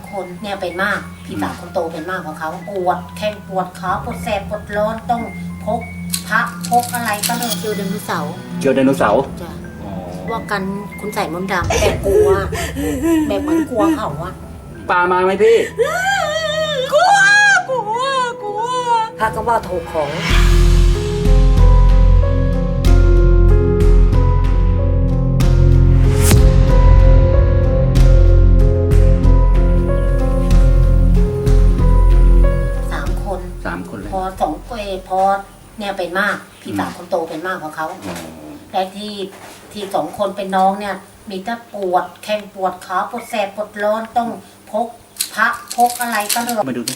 คนเนี่ยเป็นมากพี่สาวคนโตเป็นมากกว่าเขาปวดแข้งปวดขาปวดแสบปวดร้อนต้องพกพระพกอะไรก็เลยเจอไดโนเสาร์เจอไดโนเสาร์จ้ะว่ากันคุณใส่มนต์ดำแบบกลัวแบบเหมือนกลัวเขาอะปลามาไหมพี่กลัวพระก็ว่าถูกของ 3 คนเลยพอพอเนี่ยเป็นมากพี่สาวคนโตเป็นมากกว่าเขาและที่2 คนเป็นน้องเนี่ยมีแต่ปวดแข้งปวดขาปวดแสบปวดร้อนต้องพกพระพกอะไรก็เลยมาดูดิ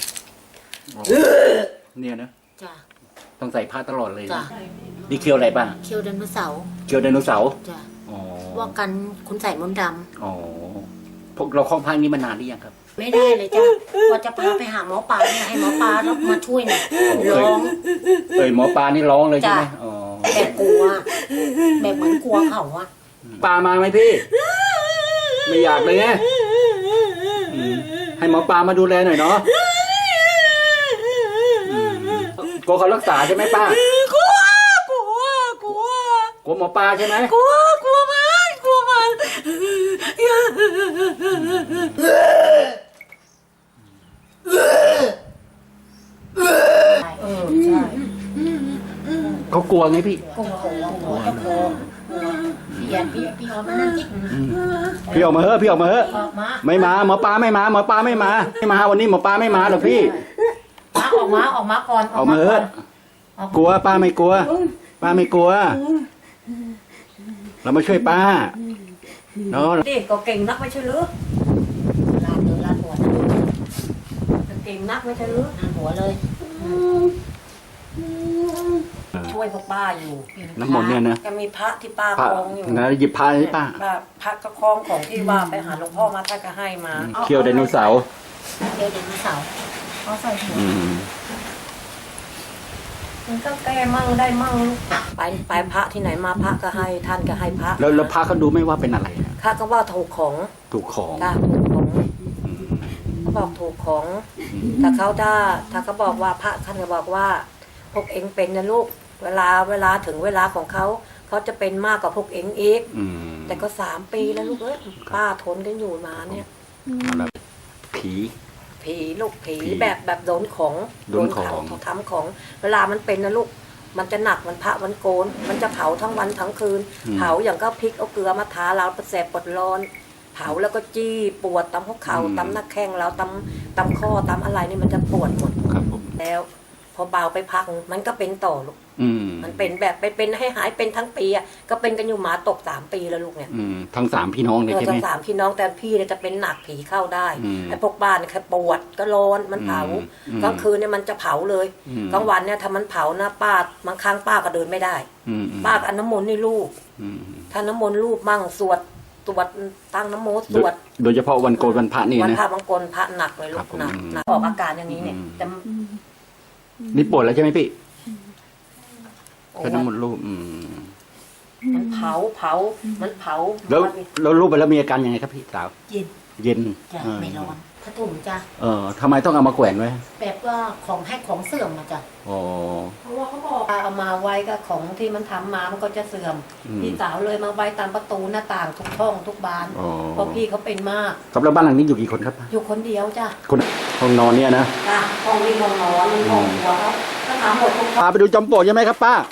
เนี่ยนะจ้ะต้องใส่ผ้าตลอดเลยจ้ะนี่เคียวอะไรบ้างเคียวไดโนเสาร์เคียวไดโนเสาร์จ้ะอ๋อว่ากันคุณใส่มนต์ดอ๋อพวกเราคล้องผ้านี้มานานหรือยังครับำไม่ได้เลยจ้ะว่าจะพาไปหาหมอปลาเนี่ยให้หมอปลาแล้วมาช่วยหน่อยร้องหมอปลานี่ร้องเลยใช่ไหมจ้ะอ๋อแบบกลัวแบบเหมือนกลัวเขาอะปลามาไหมพี่ ไม่อยากเลยไงให้หมอปลามาดูแลหน่อยเนาะกลัวเขารักษาใช่ไหมป้ากลัวหมอปลาใช่ไหมกลัวมันใช่เขากลัวไงพี่กลัวก็กลัวพี่ออกมานั่งจิกพี่ออกมาเถอะพี่ออกมาเถอะออกมาไม่มาหมอปลาไม่มาหมอปลาไม่มาวันนี้หมอปลาไม่มาหรอกพี่ออกมาก่อนออกมาเถอะกลัวป้าไม่กลัว ป้าไม่กลัว เรามาช่วยป้าเนาะดิก็เก่งนักไม่ใช่หรือลาดหัวเก่งนักไม่ใช่หรือลาดหัวเลยช่วยพวกป้าอยู่น้ำมนต์เนี่ยนะก็มีพระที่ป้าพระคล้องอยู่นะหยิบพาให้ป้าพระก็คล้องของที่ว่าไปหาหลวงพ่อมาท่านก็ให้มาเคี่ยวไดโนเสาร์เดี๋ยวไดโนเสาร์เขาใส่หัวมันก็แก้มั่งได้มั่งไปพระที่ไหนมาพระก็ให้ท่านก็ให้พระแล้วพระเขาดูไม่ว่าเป็นอะไรนะข้าก็ว่าถูกของถูกของจ้าถูกของเขาบอกถูกของถ้าเขาบอกว่าพระท่านก็บอกว่าพวกเองเป็นนะลูกเวลาถึงเวลาของเขาจะเป็นมากกว่าพวกเองอีก แต่ก็3 ปีแล้วลูกเอ้ยป้าทนกันอยู่มาเนี่ยผีลูกผีแบบโดนของโดนของเขาทำของ เวลามันเป็นนะลูกมันจะหนักมันพระมันโกน มันจะเผาทั้งวันทั้งคืน เผาอย่างก็พริกเอาเกลือมาทาเราแสบปวดร้อน เผาแล้วก็จี้ปวดตามหัวเข่าตามหน้าแข้งเราตามข้อตามอะไรนี่มันจะปวดหมดครับผมแล้วพอเบาไปพักมันก็เป็นต่อลูกมันเป็นแบบไปเป็นให้หายเป็นทั้งปีอ่ะก็เป็นกันอยู่หมาตก3 ปีแล้วลูกเนี่ยทั้ง3 พี่น้องเลยใช่ไหมทั้ง3 พี่น้องแต่พี่เนี่ยจะเป็นหนักผีเข้าได้ไอ้พวกบ้านเนี่ยแค่ปวดก็ร้อนมันเผากลางคืนเนี่ยมันจะเผาเลยกลางวันเนี่ยถ้ามันเผานะป้าบางครั้งป้าก็เดินไม่ได้ป้าก็เอาน้ำมนต์นี่ลูบถ้าน้ำมนต์ลูบมั่งสวดตั้งน้ำโมสวดโดยเฉพาะวันโกนวันพระนี่วันนะพระบางคนพระหนักเลยลูกหนักออกอาการอย่างนี้เนี่ยแต่นี่ปวดแล้วใช่ไหมพี่ใช้น้ำมันต์รูปมันเผามันเผาแล้วรูปไปแล้วมีอาการยังไงครับพี่สาว เย็นจ้ะไม่ร้อนถ้าถุงจ้ะทำไมต้องเอามาแขวนไว้แบบว่าของให้ของเสื่อมมาจ้ะอ๋อเพราะว่าเขาบอกเอามาไว้ก็ของที่มันทำมามันก็จะเสื่อมพี่สาวเลยมาไว้ตามประตูหน้าต่างทุกช่องทุกบานเพราะพี่เขาเป็นมากครับแล้วบ้านหลังนี้อยู่กี่คนครับอยู่คนเดียวจ้ะคนห้องนอนเนี่ยนะจ้ะห้องนี้ห้องนอนห้องหัวเขาก็ทำหมดทุกห้องพาไปดูจอมปลวกใช่ไหมครับป้า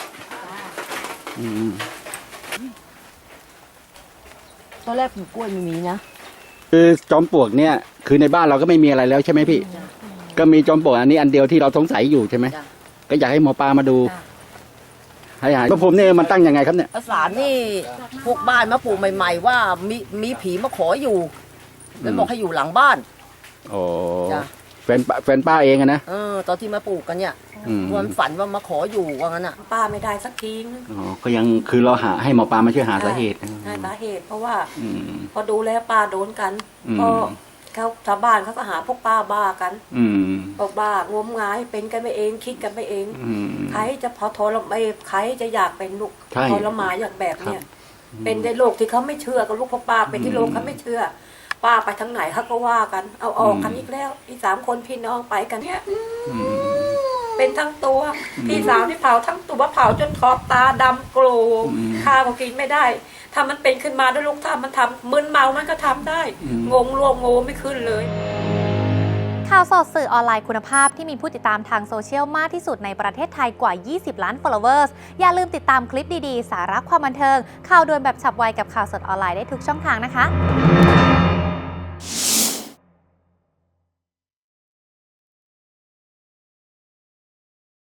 ตอนแรกปลูกกล้วยไม่มีนะคือจอมปลวกเนี่ยคือในบ้านเราก็ไม่มีอะไรแล้วใช่ไหมพี่ ก็มีจอมปลวกอันนี้อันเดียวที่เราสงสัยอยู่ใช่ไหมก็อยากให้หมอปลามาดูให้หายพระพรหมเนี่ยมันตั้งยังไงครับเนี่ยภาษานี่พวกบ้านมาปลูกใหม่ๆว่ามีผีมาขออยู่แล้วบอกให้อยู่หลังบ้านโอ้จ้ะแฟนป้าเองอะนะตอนที่มาปลูกกันเนี่ยวันฝันว่ามาขออยู่ว่างั้นอ่ะป้าไม่ได้สักทีนึงอ๋อก็ยังคือเราหาให้หมอปลามาช่วยหาสาเหตุใช่สาเหตุเพราะว่าพอดูแล้วป้าโดนกันก็เขาชาวบ้านเขาก็หาพวกป้าบ้ากันพวกบ้างมงายเป็นกันไปเองคิดกันไปเองใครจะพอทรมานใครจะอยากเป็นลูกทรมานอย่างแบบเนี้ยเป็นในโลกที่เขาไม่เชื่อกับลูกพวกป้าเป็นที่โลกเขาไม่เชื่อป้าไปทางไหนเขาก็ว่ากันเอาออกกันอีกแล้วอี3 คนพี่น้องไปกันเนี่ยเป็นทั้งตัวพี่สาวที่เผาทั้งตัวเผาจนขอบตาดำโกรธข้าวก็กินไม่ได้ถ้ามันเป็นขึ้นมาด้วยลูกถ้ามันทำมึนเมามันก็ทำได้งงรวมโง่ไม่ขึ้นเลยข่าวสดสื่อออนไลน์คุณภาพที่มีผู้ติดตามทางโซเชียลมากที่สุดในประเทศไทยกว่า 20 ล้าน followers อย่าลืมติดตามคลิปดีๆ สาระความบันเทิงข่าวด่วนแบบฉับไวกับข่าวสดออนไลน์ได้ทุกช่องทางนะคะ